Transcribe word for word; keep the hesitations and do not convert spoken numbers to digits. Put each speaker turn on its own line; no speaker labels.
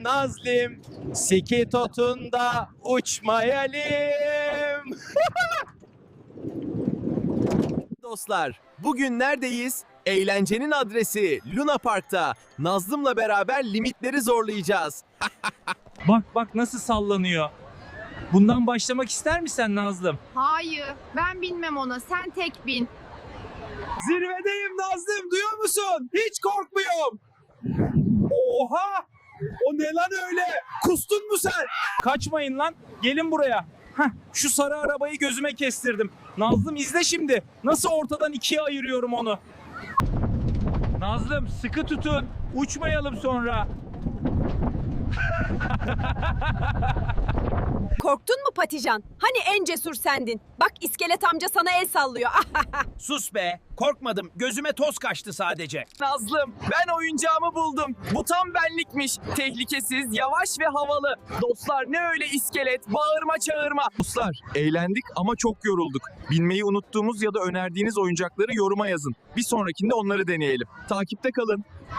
Nazlim, Sikitot'unda uçmayalım. Dostlar, bugün neredeyiz? Eğlencenin adresi Luna Park'ta. Nazlım'la beraber limitleri zorlayacağız.
Bak bak nasıl sallanıyor. Bundan başlamak ister misin Nazlım?
Hayır, ben binmem ona. Sen tek bin.
Zirvedeyim Nazlım, duyuyor musun? Hiç korkmuyorum. Oha! O ne lan öyle? Kustun mu sen?
Kaçmayın lan. Gelin buraya. Heh, şu sarı arabayı gözüme kestirdim. Nazlım izle şimdi. Nasıl ortadan ikiye ayırıyorum onu. Nazlım sıkı tutun. Uçmayalım sonra.
Korktun mu Patican? Hani en cesur sendin? Bak iskelet amca sana el sallıyor.
Sus be, korkmadım. Gözüme toz kaçtı sadece. Nazlım, ben oyuncağımı buldum. Bu tam benlikmiş. Tehlikesiz, yavaş ve havalı. Dostlar ne öyle iskelet, bağırma çağırma.
Dostlar, eğlendik ama çok yorulduk. Bilmeyi unuttuğumuz ya da önerdiğiniz oyuncakları yoruma yazın. Bir sonrakinde onları deneyelim. Takipte kalın.